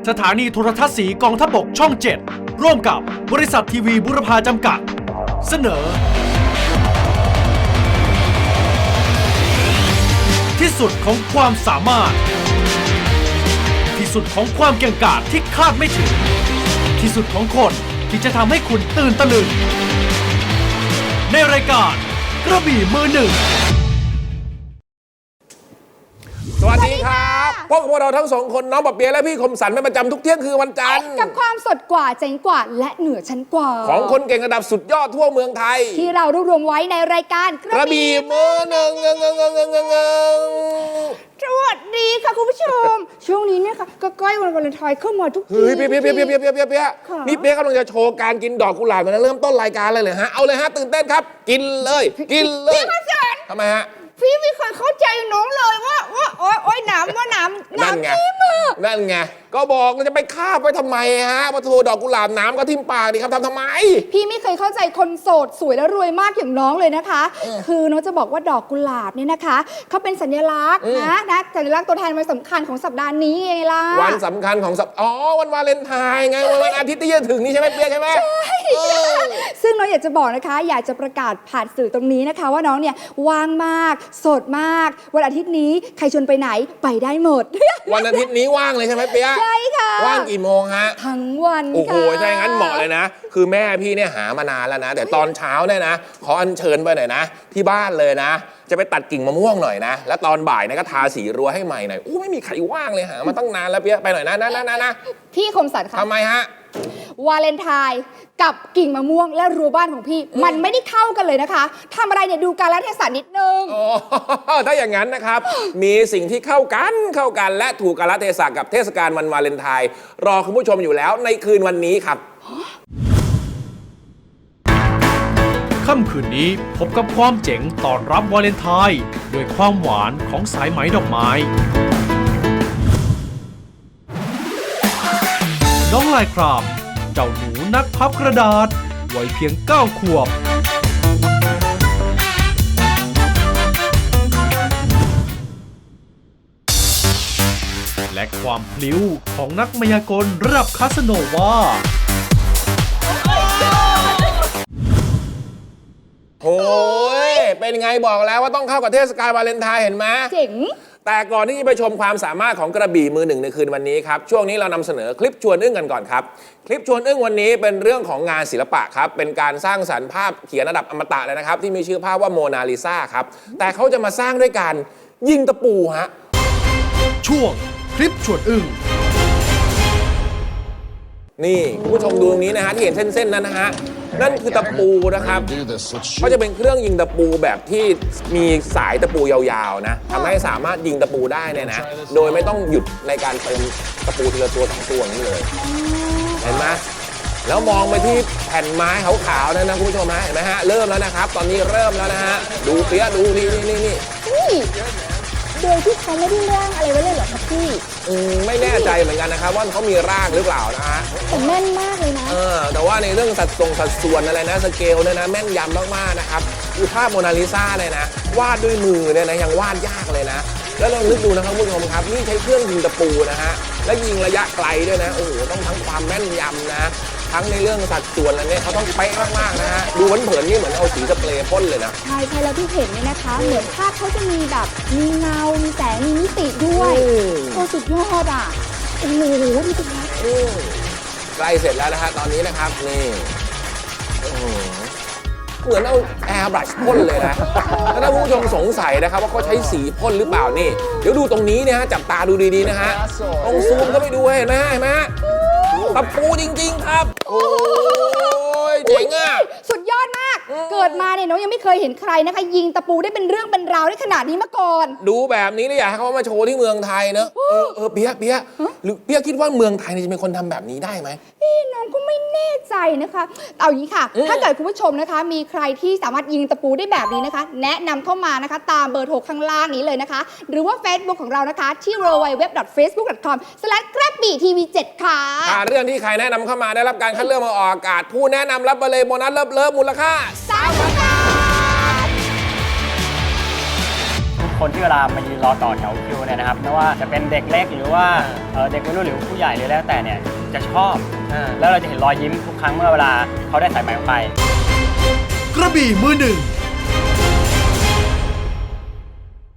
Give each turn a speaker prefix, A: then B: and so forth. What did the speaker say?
A: สถานีโทรทัศน์สีกองทัพบกช่อง 7 ร่วมกับบริษัททีวีบุรพาจำกัด เสนอ ที่สุดของความสามารถ ที่สุดของความเก่งกาจที่คาดไม่ถึง ที่สุดของคนที่จะทำให้คุณตื่นตะลึง ในรายการกระบี่มือหนึ่ง
B: สวัสดีครับพบกับพวกเราทั้งสองคนน้องปะเปียและพี่คมสันเป็นประจำทุกเที่ยงคือวันจันทร์
C: กับความสดกว่าเจ๋งกว่าและเหนือชั้นกว่า
B: ของคนเก่งระดับสุดยอดทั่วเมืองไทย
C: ที่เรารวบรวมไว้ในรายการ
B: กระบี่มือหนึ่ง
C: สวัสดีค่ะคุณผู้ชม ช่วงนี้เนี่ยค่ะก็ใกล้วันวาเลนไทน์เข้ามาทุกที
B: เฮ้ยเปียนี่เปียกำลังจะโชว์การกินดอกกุหลาบนะเริ่มต้นรายการเลยฮะเอาเลยฮะตื่นเต้นครับกินเลยพี่
C: คมสัน
B: ทำไมฮะ
C: พี่ไม่เคยเข้าใจน้องเลยว่าโอ๊ยน้ำที่มือ
B: นั่นไงก็บอกเราจะไปคาบไว้ทำไมฮะมาโทรดอกกุหลาบน้ำก็ทิ่มปากดิครับทำไม
C: พี่ไม่เคยเข้าใจคนโสดสวยและรวยมากอย่างน้องเลยนะคะคือน้องจะบอกว่าดอกกุหลาบเนี่ยนะคะเขาเป็นสัญลักษณ์นะสัญลักษณ์ตัวแทนวันสำคัญของสัปดาห์นี้ไงล่ะ
B: วันสำคัญของวันวาเลนไทน์ไงวันอาทิตย์ที่จะถึงนี่ใช่ไหมเปียใช่ไหมใช่
C: ซึ่งน้องอยากจะบอกนะคะอยากจะประกาศผ่านสื่อตรงนี้นะคะว่าน้องเนี่ยว่างมากโสดมากวันอาทิตย์นี้ใครชวนไปไหนไปได้หมด
B: วันอาทิตย์นี้ว่างเลยใช่ไหมเปีย
C: ใช่ค่ะ
B: ว่างกี่โมงฮะ
C: ทั้งวัน
B: โอ้โหถ้าอย่างนั้นเหมาะเลยนะคือแม่พี่เนี่ยหามานานแล้วนะแต่ตอนเช้าเนี่ยนะขออัญเชิญไปหน่อยนะที่บ้านเลยนะจะไปตัดกิ่งมะม่วงหน่อยนะแล้วตอนบ่ายเนี่ยก็ทาสีรั้วให้ใหม่หน่อยโอ้ไม่มีใครว่างเลยหามาตั้งนานแล้วเปียไปหน่อยนะ
C: พี่คมสันคะ
B: ทำไมฮะ
C: วาเลนไทน์กับกิ่งมะม่วงและรั้วบ้านของพี่มันไม่ได้เข้ากันเลยนะคะทำอะไรเนี่ยดูกาลเทศะนิดนึง
B: ถ้าอย่างนั้นนะครับมีสิ่งที่เข้ากันและถูกกาลเทศะกับเทศกาลวันวาเลนไทน์รอคุณผู้ชมอยู่แล้วในคืนวันนี้ครับ
A: ค่ำคืนนี้พบกับความเจ๋งตอนรับวาเลนไทน์ด้วยความหวานของสายไหมดอกไม้น้องลายครามเจ้าหนูนักพับกระดาษวัยเพียง9 ขวบและความพลิ้วของนักมายากลระดับคาสโนวา
B: โอ้ยเป็นไงบอกแล้วว่าต้องเข้ากับเทศกาลวาเลนไทน์เห็นไหม
C: เจ๋ง
B: แต่ก่อนที่จะไปชมความสามารถของกระบี่มือหนึ่งในคืนวันนี้ครับช่วงนี้เรานำเสนอคลิปชวนอึ้งกันก่อนครับคลิปชวนอึ้งวันนี้เป็นเรื่องของงานศิลปะครับเป็นการสร้างสรรค์ภาพเขียนระดับอมตะเลยนะครับที่มีชื่อภาพว่าโมนาลิซาครับแต่เขาจะมาสร้างด้วยการยิงตะปูฮะ
A: ช่วงคลิปชวนอึ้ง
B: นี่คุณผู้ชมดูตรงนี้นะฮะที่เห็นเส้นๆนั้นนะฮะนั่นคือตะปูนะครับเขาจะเป็นเครื่องยิงตะปูแบบที่มีสายตะปูยาวๆนะทำให้สามารถยิงตะปูได้เนี่ยนะโดยไม่ต้องหยุดในการเติมตะปูทีละตัว2 ตัวนี้เลยเห็นไหมแล้วมองไปที่แผ่นไม้ขาวๆนั่นนะคุณผู้ชมฮะเห็นไหมฮะเริ่มแล้วนะครับตอนนี้เริ่มแล้วนะฮะดูเปี๊ยะดูนี่
C: โดยที่เขาไม่ได้ร่างอะไรไว้เลยเหรอครับพี่
B: ไม่แน่ใจเหมือนกันนะครับว่าเขามีร่างหรือเปล่านะฮะ
C: แต่แม่นมากเลยนะ
B: แต่ว่าในเรื่องสัดส่วนอะไรนะสเกลเนี่ยนะแม่นยำมากๆนะครับคือภาพโมนาลิซาเนี่ยนะวาดด้วยมือเนี่ยนะยังวาดยากเลยนะแล้วเรานึกดูนะครับคุณผู้ชมครับนี่ใช้เครื่องยิงตะปูนะฮะและยิงระยะไกลด้วยนะโอ้โหต้องทั้งความแม่นยำนะทั้งในเรื่องสัดส่วนอะไรเนี่ยเขาต้องเป๊ะมากๆนะฮะดูเผินๆนี่เหมือนเอาสีสเปรย์พ่นเลยนะ
C: ใช่แล้วที่เห็นเนี่ยนะคะเหมือนภาพเขาจะมีแบบมีเงามีแสงมีมิติด้วยโอ้สุดยอดอ่ะโอ้โหดูสิคะ
B: ใกล้เสร็จแล้วนะฮะตอนนี้นะครับนี่เหมือนเอาแอร์บรัชพ่นเลยนะถ้าผู้ชมสงสัยนะครับว่าเขาใช้สีพ่นหรือเปล่านี่เดี๋ยวดูตรงนี้นะฮะจับตาดูดีๆนะฮะตรงซูมก็ไปดูเห็นไหมตะปูจริงๆครับโอ้ยเจ๋งอ่ะ
C: สุดยอดมากเกิดมาเนี่ยน้องยังไม่เคยเห็นใครนะคะยิงตะปูได้เป็นเรื่องเป็นราวได้ขนาดนี้มาก่อน
B: ดูแบบนี้เลยอยากให้เขามาโชว์ที่เมืองไทยเนอะเปี๊ยะหรือเปี๊ยะคิดว่าเมืองไทยจะเป็นคนทำแบบนี้ได้ไหม
C: น้องก็ไม่แน่ใจนะคะเอาอย่างนี้ค่ะถ้าเกิดคุณผู้ชมนะคะมีใครที่สามารถยิงตะปูได้แบบนี้นะคะแนะนำเข้ามานะคะตามเบอร์โทรข้างล่างนี้เลยนะคะหรือว่า Facebook ของเรานะคะที่ www.facebook.com/กระบี่ทีวี7ค่ะ
B: เรื่องที่ใครแนะนำเข้ามาได้รับการคัดเลือกมาออกอากาศผู้แนะนำรับไปเลยโบนัสเลิฟมูลค่า
C: 3,000 บาท
D: คนที่เวลามายืนรอต่อแถวคิวเนี่ยนะครับไม่ว่าจะเป็นเด็กเล็กหรือว่าเด็กวัยรุ่นหรือผู้ใหญ่หรือแล้วแต่เนี่ยจะชอบแล้วเราจะเห็นรอยยิ้มทุกครั้งเมื่อเวลาเขาได้สายไหมออกไป
A: กระบี่มือหนึ่ง